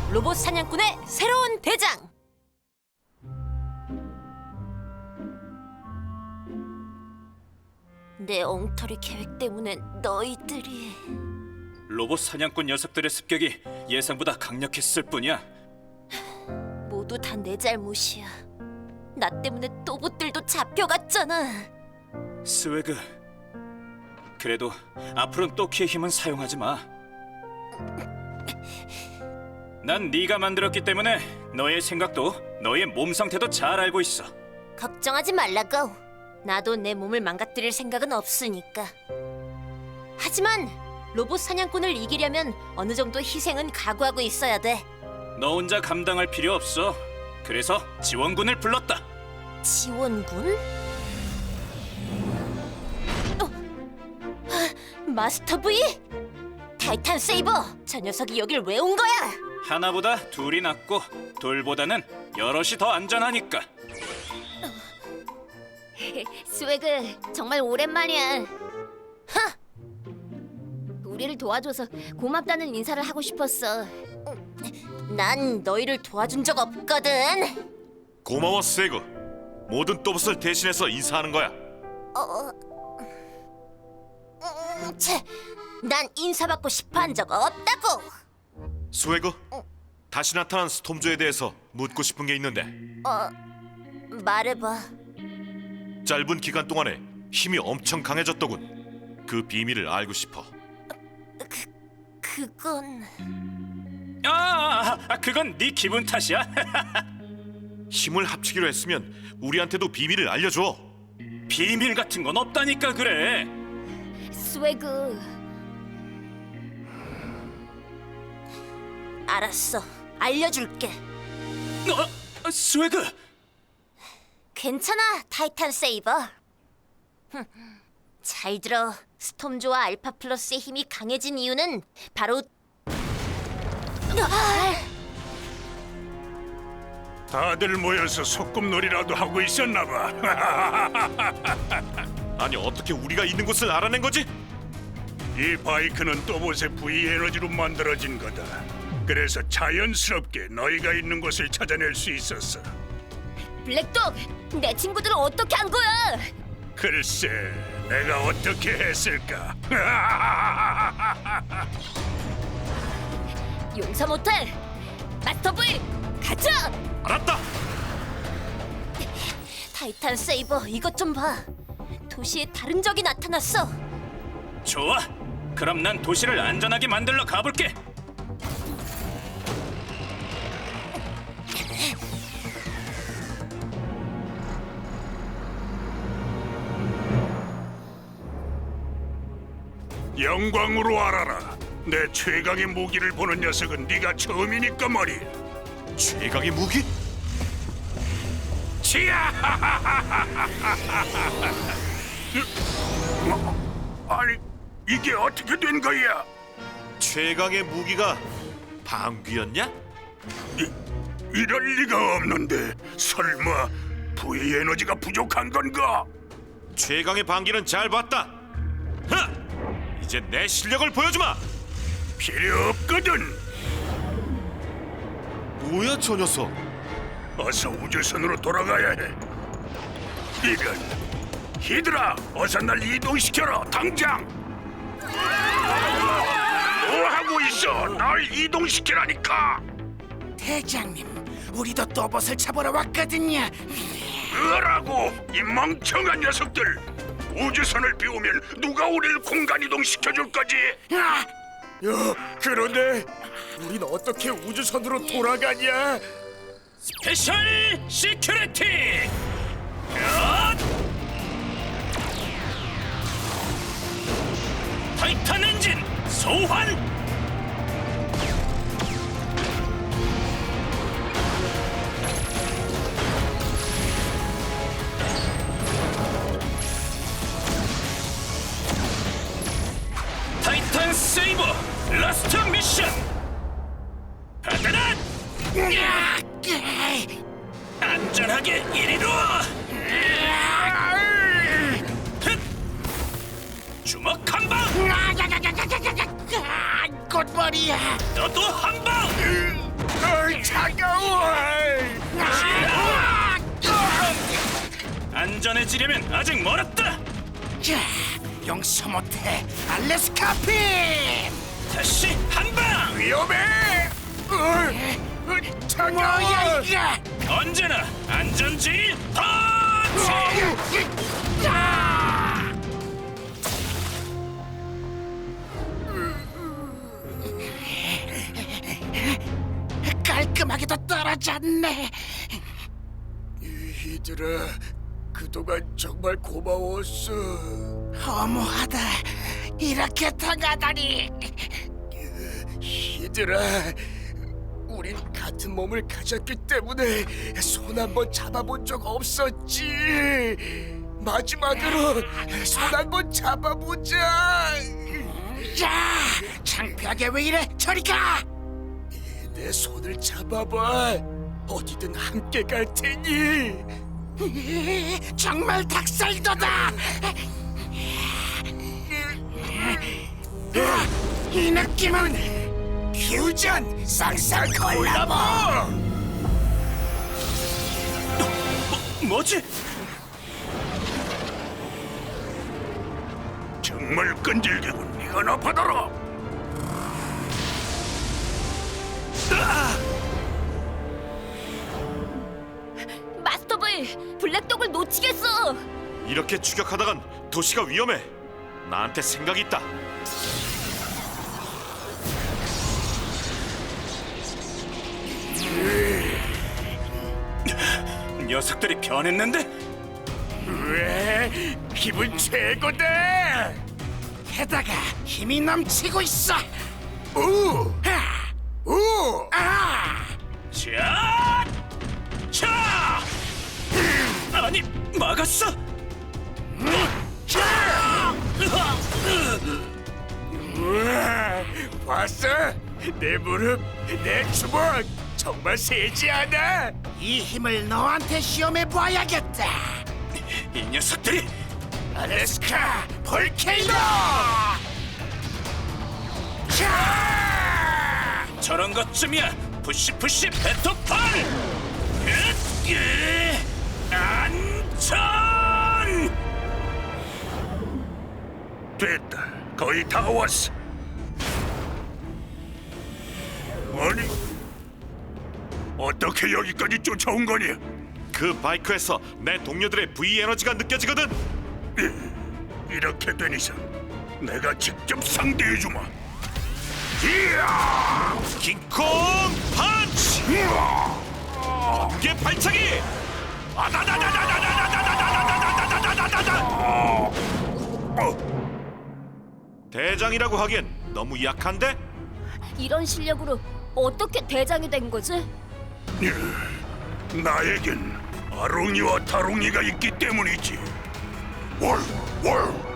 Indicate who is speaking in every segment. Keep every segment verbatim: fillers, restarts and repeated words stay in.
Speaker 1: 로봇 사냥꾼의 새로운 대장. 내 엉터리 계획 때문에 너희들이...
Speaker 2: 로봇 사냥꾼 녀석들의 습격이 예상보다 강력했을 뿐이야.
Speaker 1: 모두 다 내 잘못이야. 나 때문에 또봇들도 잡혀갔잖아.
Speaker 2: 스웨그, 그래도 앞으로는 또키의 힘은 사용하지 마. 난 네가 만들었기 때문에 너의 생각도 너의 몸 상태도 잘 알고 있어.
Speaker 1: 걱정하지 말라고. 나도 내 몸을 망가뜨릴 생각은 없으니까. 하지만 로봇 사냥꾼을 이기려면 어느 정도 희생은 각오하고 있어야 돼.
Speaker 2: 너 혼자 감당할 필요 없어. 그래서 지원군을 불렀다.
Speaker 1: 지원군? 어? 아, 마스터 V? 타이탄 세이버! 저 녀석이 여길 왜 온 거야?
Speaker 2: 하나보다 둘이 낫고 둘보다는 여럿이 더 안전하니까.
Speaker 1: 스웨그, 정말 오랜만이야. 하! 우리를 도와줘서 고맙다는 인사를 하고 싶었어. 난 너희를 도와준 적 없거든.
Speaker 3: 고마워 스웨그. 모든 또봇을 대신해서 인사하는 거야.
Speaker 1: 어... 음, 채, 난 인사받고 싶어한 적 없다고.
Speaker 3: 스웨그, 다시 나타난 스톰조에 대해서 묻고 싶은 게 있는데
Speaker 1: 어... 말해봐.
Speaker 3: 짧은 기간 동안에 힘이 엄청 강해졌더군. 그 비밀을 알고 싶어.
Speaker 1: 그건...
Speaker 2: 아, 아, 그건 네 기분 탓이야.
Speaker 3: 힘을 합치기로 했으면 우리한테도 비밀을 알려줘.
Speaker 2: 비밀 같은 건 없다니까 그래.
Speaker 1: 스웨그... 알았어, 알려줄게.
Speaker 2: 어, 스웨그.
Speaker 1: 괜찮아, 타이탄 세이버. 흠, 잘 들어. 스톰조와 알파 플러스의 힘이 강해진 이유는 바로... 아!
Speaker 4: 다들 모여서 소꿉놀이라도 하고 있었나 봐.
Speaker 3: 아니 어떻게 우리가 있는 곳을 알아낸 거지?
Speaker 4: 이 바이크는 또봇의 V 에너지로 만들어진 거다. 그래서 자연스럽게 너희가 있는 곳을 찾아낼 수 있었어.
Speaker 1: 블랙독, 내 친구들은 어떻게 한 거야?
Speaker 4: 글쎄, 내가 어떻게 했을까?
Speaker 1: 용서 못해. 마스터 V, 가자!
Speaker 3: 알았다.
Speaker 1: 타이탄 세이버, 이것 좀 봐. 도시에 다른 적이 나타났어.
Speaker 2: 좋아. 그럼 난 도시를 안전하게 만들러 가볼게.
Speaker 4: 영광으로 알아라. 내 최강의 무기를 보는 녀석은 네가 처음이니까 말이야.
Speaker 3: 최강의 무기?
Speaker 4: 치야! 어? 아니, 이게 어떻게 된 거야?
Speaker 3: 최강의 무기가 방귀였냐?
Speaker 4: 이, 이럴 리가 없는데 설마 V 에너지가 부족한 건가?
Speaker 3: 최강의 방귀는 잘 봤다. 하! 이제 내 실력을 보여주마.
Speaker 4: 필요 없거든.
Speaker 3: 뭐야 저 녀석?
Speaker 4: 어서 우주선으로 돌아가야 해. 이건 히드라, 어서 날 이동시켜라 당장. 뭐 하고 있어? 날 이동시키라니까.
Speaker 5: 대장님, 우리도 또봇을 잡으러 왔거든요.
Speaker 4: 으라고 이 멍청한 녀석들. 우주선을 비우면 누가 우리를 공간 이동시켜줄 거지?
Speaker 5: 아!
Speaker 6: 야, 그런데 우린 어떻게 우주선으로 돌아가냐?
Speaker 2: 스페셜 시큐리티! 야! 타이탄 엔진 소환! 타이탄 세이버 라스트 미션! 받아라! 안전하게 이리로! 헥! 주먹 한 방!
Speaker 5: 꽃머리야.
Speaker 2: 너도 한 방!
Speaker 6: 어이, 차가워.
Speaker 2: 안전해지려면 아직 멀었다.
Speaker 5: 야, 용서 못해. 알래스카 빔.
Speaker 2: 다시 한 방.
Speaker 6: 위험해. 어이, 어이,
Speaker 5: 뭐야
Speaker 6: 차가워.
Speaker 5: 이게?
Speaker 2: 언제나 안전지인 펀치.
Speaker 5: 깔끔하게도 떨어졌네.
Speaker 6: 얘들아, 그동안 정말 고마웠어.
Speaker 5: 허무하다. 이렇게 당하다니.
Speaker 6: 얘들아, 우린 같은 몸을 가졌기 때문에 손 한 번 잡아본 적 없었지. 마지막으로 손 한 번 잡아보자.
Speaker 5: 야, 창피하게 왜 이래? 저리 가.
Speaker 6: 내 손을 잡아봐. 어디든 함께 갈 테니.
Speaker 5: 정말 닭살도다. 이 느낌은 퓨전 쌍쌍 콜라보.
Speaker 2: 뭐지?
Speaker 4: 정말 끈질기군. 이건 아파더라.
Speaker 1: 마스터보이, 블랙독을 놓치겠어.
Speaker 3: 이렇게 추격하다간 도시가 위험해. 나한테 생각이 있다.
Speaker 2: 녀석들이 변했는데?
Speaker 6: 왜? 기분 최고다.
Speaker 5: 게다가 힘이 넘치고 있어.
Speaker 6: 우,
Speaker 5: 하,
Speaker 6: 우.
Speaker 5: 아,
Speaker 2: 자, 자. 아니 막았어.
Speaker 6: 우와, 봤어? 내 무릎, 내 주먹 정말 세지 않아?
Speaker 5: 이 힘을 너한테 시험해 봐야겠다.
Speaker 2: 이 녀석들이
Speaker 5: 알래스카 볼케이노.
Speaker 2: 저런 것쯤이야. 푸시 푸시 베토판. 으, 으, 안전.
Speaker 4: 됐다. 거의 다 왔어. 아니, 어떻게 여기까지 쫓아온 거냐?
Speaker 3: 그 바이크에서 내 동료들의 V 에너지가 느껴지거든.
Speaker 4: 이렇게 된 이상 내가 직접 상대해주마. 이야!
Speaker 3: 킹콩 펀치! 번개 발차기! 대장이라고 하기엔 너무 약한데?
Speaker 1: 이런 실력으로 어떻게 대장이 된 거지?
Speaker 4: 나에겐 아롱이와 다롱이가 있기 때문이지. 월, 월.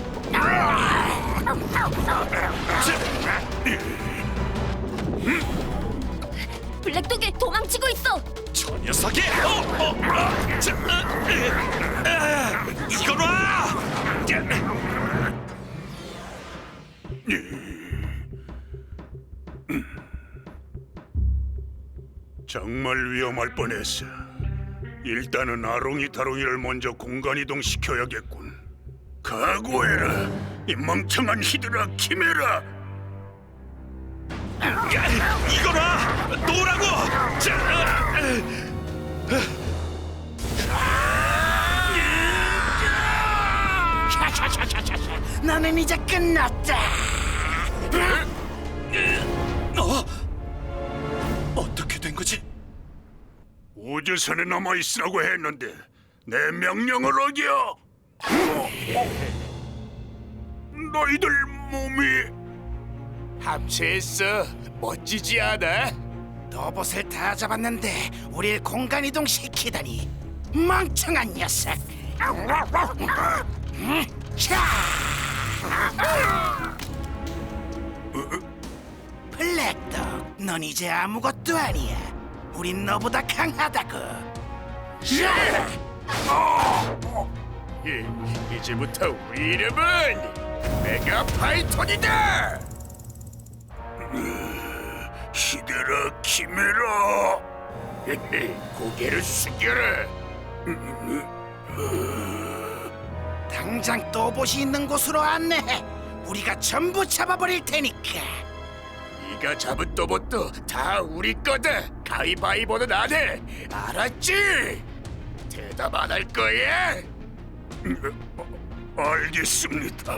Speaker 1: 블랙독이 도망치고 있어.
Speaker 3: 저 녀석이! 어, 어, 아, 자, 아, 아, 이거라!
Speaker 4: 정말 위험할 뻔했어. 일단은 아롱이 다롱이를 먼저 공간 이동 시켜야겠군. 각오해라, 이 멍청한 히드라 키메라.
Speaker 3: 이거라! 놓으라고! 자, 아,
Speaker 5: 샤샤샤샤샤. 너는 이제 끝났다.
Speaker 2: 어? 어떻게 된 거지?
Speaker 4: 우주선에 남아 있으라고 했는데 내 명령을 어겨. 어? 너희들 몸이
Speaker 6: 합체했어. 멋지지 않아?
Speaker 5: 로봇을 다 잡았는데 우릴 공간 이동 시키다니 멍청한 녀석. 음, 자. 블랙독, 넌 이제 아무것도 아니야. 우린 너보다 강하다고. 자.
Speaker 6: 이, 이제부터 우리 이름은 메가 파이톤이다.
Speaker 4: 시대를 받아들여라, 키메라. 고개를 숙여라.
Speaker 5: 당장 또봇이 있는 곳으로 안내해. 우리가 전부 잡아버릴 테니까.
Speaker 6: 네가 잡은 또봇도 다 우리 거다. 가위바위보는 안 해. 알았지? 대답 안 할 거야?
Speaker 4: 알겠습니다.